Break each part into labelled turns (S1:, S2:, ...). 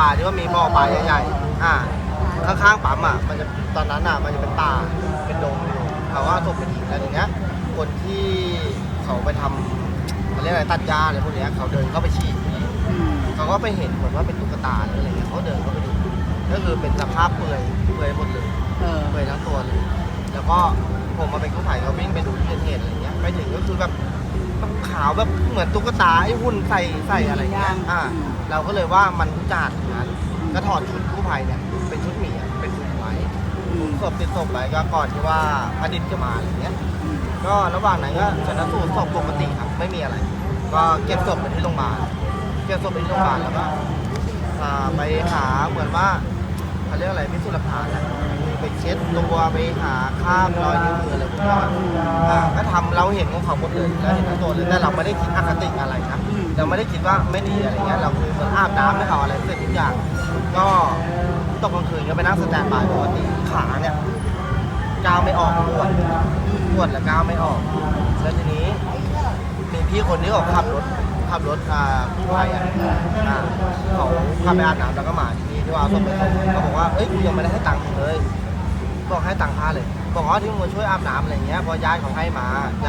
S1: ลาที่ว่ามีบ่อปลาใหญ่ๆข้างๆปั๊มมันจะตอนนั้นมันจะเป็นป่าเป็นดงอยู่เขาว่าศพเป็นหินอะไรอย่างเงี้ยคนที่เขาไปทำเขาเรียกอะไรตัดหญ้าอะไรพวกเนี้ยเขาเดินเข้าไปฉี่เขาก็ไปเห็นเหมือนว่าเป็นตุ๊กตาหรืออะไรเงี้ยเขาเดินเข้าไปดูก็คือเป็นสภาพเปื่อยหมดเลยเปื่อยทั้งตัวเลยแล้วก็ผมมาเป็นกู้ภัยเขาวิ่งไปดูที่เกิดเหตุอะไรเงี้ยไปถึงก็คือแบบขาวแบบเหมือนตุ๊กตาไอ้หุ่นใส่อะไรเงี้ยเราก็เลยว่ามันอุจจาระนั้นก็ถอดชุดกู้ภัยเนี่ยเป็นชุดหมีเป็นชุดไว้ศพติดศพไปก็ก่อนที่ว่าอดิตจะมาอะไรเงี้ยก็ระหว่างนั้นก็ชันสูตรศพปกติครับไม่มีอะไรก็เก็บศพไปที่โรงพยาบาลแล้วก็ไปหาเหมือนว่าเขาเรียกอะไรพิสูจน์หลักฐานไปเช็ดตัวไปหาข้ามรอยนิ้วมืออะไรพวกนี้ก็ทำเราเห็นของเขาหมดเลยเราเห็นทั้งตัวเลยแต่เราไม่ได้คิดอคติอะไรนะเราไม่ได้คิดว่าไม่ดีอะไรเงี้ยเราคือเหมือนอาบน้ำให้เขาอะไรเสร็จทุกอย่างก็ตกกลางคืนก็ไปนั่งสแตนบายปกติขาเนี่ยก้าวไม่ออกปวดแล้วก้าวไม่ออกแล้วทีนี้มีพี่คนนี้เขาขับรถกู้ภัยเขาขับไปอาบน้ำแล้วก็มาที่นี่ที่ว่าศพไปส่งเขาบอกว่าเอ้ยกูยังไม่ได้ให้ตังค์เลยบอกให้ตังค์ค่าเลยบอกว่าที่มึงช่วยอาบน้ำอะไรเงี้ยพอย้ายเขาให้มา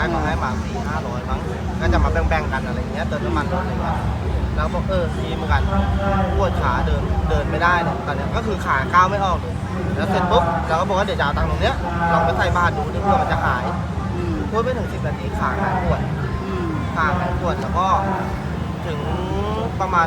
S1: 400-500มั้งก็จะมาแบ่งกันอะไรเงี้ยเติมน้ำมันรถอะไรเงี้ยแล้วบอกดีเหมือนกันปวดขาเดินไม่ได้เนี่ยตอนนี้ก็คือขาก้าวไม่ออกเลยแล้วเสร็จปุ๊บเราก็บอกว่าเดี๋ยวจะเอาตังค์ตรงเนี้ยลองไปใส่บาตรดูเพื่อมันจะหายพูดไม่ถึง10 นาทีขาหายปวดแล้วก็ถึงประมาณ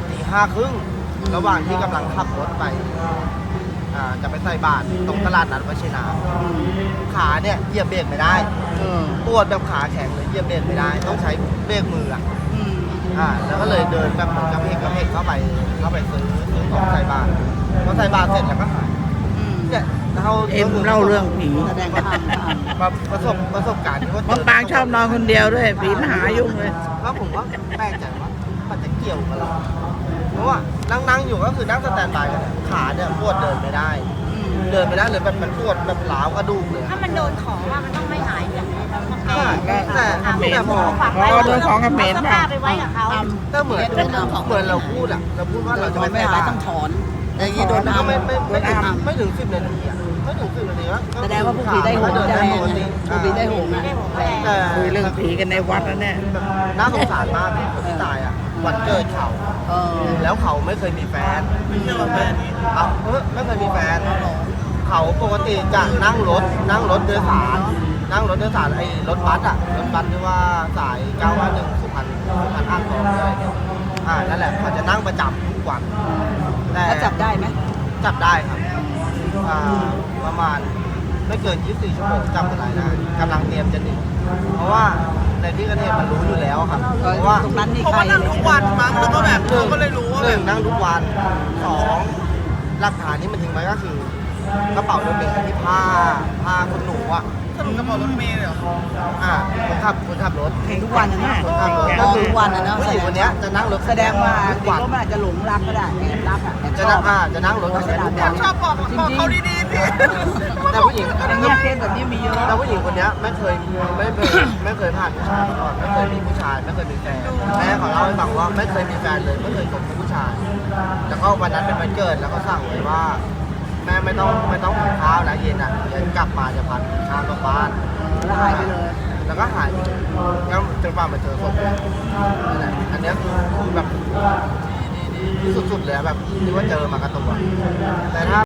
S1: 5:30ระหว่างที่กำลังขับรถไปจะไปใส่บาตรตรงตลาดนัดวชินาขาเนี่ยเหยียบเบรกไม่ได้ปวดแบบขาแข็งเลยเหยียบเบรกไม่ได้ต้องใช้เบรกมือแล้วก็เลยเดินแบบกระเพกเข้าไปซื้อของใส่บาตรพอใส่บาตรเสร็จแล้วก็หายเนี่ย
S2: เล่าเรื่องผี
S1: แสดงว่าประสบการณ์ที่ว่าเจอ
S2: ปางชอบนอนคนเดียวด้วยผีมหายุ่งเลย
S1: ก็ผมว่าแปลกใจว่ามันจะเกี่ยวกันหรอเพราะว่านั่งอยู่ก็คือนั่งสแตนบายกันขาเนี่ยปวดเดินไม่ได้เลยแบบมันปวดแบบหลาวกระดูกเลย
S3: ถ้ามันโดนของว่ามันต้องไม่หายอย่างนี้เราต้อง
S1: แต่พอ
S2: โดนของเขมร
S3: เสื้อผ้าไปไว้กับเขา
S1: ก็เหมือนเราพูดว่าเราจะไม่หายต้องถอนอย่างนี้โดนก็ไม่ถึง10 นาทีไม่ถึง10 นาทีแล้ว
S4: แสดงว่าผู้ผีได้โหงจะแรงผู้ผีได้โหง
S2: คุยเรื่องผีกันในวัดแล้วเนี่ย
S1: น่าสงสารมากคนที่ตายวันเกิดเขาแล้วเขาไม่เคยมีแฟนไม่เคยมีแฟนเขาปกติจะนั่งรถโดยสารไอ้รถบัสที่ว่าสาย951สุพรรณอ่างทองอะไรเนี่ยนั่นแหละเขาจะนั่งประจำทุกวัน
S4: แต่จับได้ไหม
S1: จับได้ครับประมาณไม่เกิน24 ชั่วโมงจับอะไรได้กำลังเตรียมจะหนีเพราะว่าในที่เกิดเหตุมันรู้อยู่แล้วครับเพราะว่า
S4: ตรงนั้นนี่
S5: ใครนั่งทุกวันมั้งแล้วก็แบบเขาก็เลยรู้ว่า
S1: 1นั่งทุกวัน2หลักฐานที่มันทิ้งไว้ก็คือกระเป๋ารถเมล์ที่ผ้าคนหนู
S5: สรุปกระเป๋ารถเมล์เลยเหรอ
S1: คนขับรถ
S4: เห็นทุกวันนะ
S1: คนขับรถ
S4: ทุกวันนะเนาะ
S1: ผู้หญิงคนนี้จะนั่งรถ
S4: แสดงว่าเด็กก็อาจจะหลงรักก็ได้แอบรัก
S1: จะนั่งรถทุกวัน
S5: ชอบบอกเขาดีๆสิ
S1: แต่ผู้หญิง
S4: เนี่ยเคสแบบนี้มีเยอะ
S1: แต่ผู้หญิงคนนี้ไม่เคยผ่านผู้ชายมาก่อนไม่เคยมีผู้ชายไม่เคยมีแฟนแม่เขาเล่าให้ฟังว่าไม่เคยมีแฟนเลยไม่เคยคบกับผู้ชายแล้วก็วันนั้นเป็นวันเกิดแล้วก็สั่งไว้ว่าแม่ไม่ต้องกินข้าวนะเย็นเย็นกลับมาจะพันข้าวกลับบ้าน
S4: แล้วหายไปเลย
S1: แล้วก็หายก็จนกว่ามาเจอศพนั่นแหละอันนี้คือแบบดีสุดๆเลยแบบที่ว่าเจอมากับตัวแต่ถ้า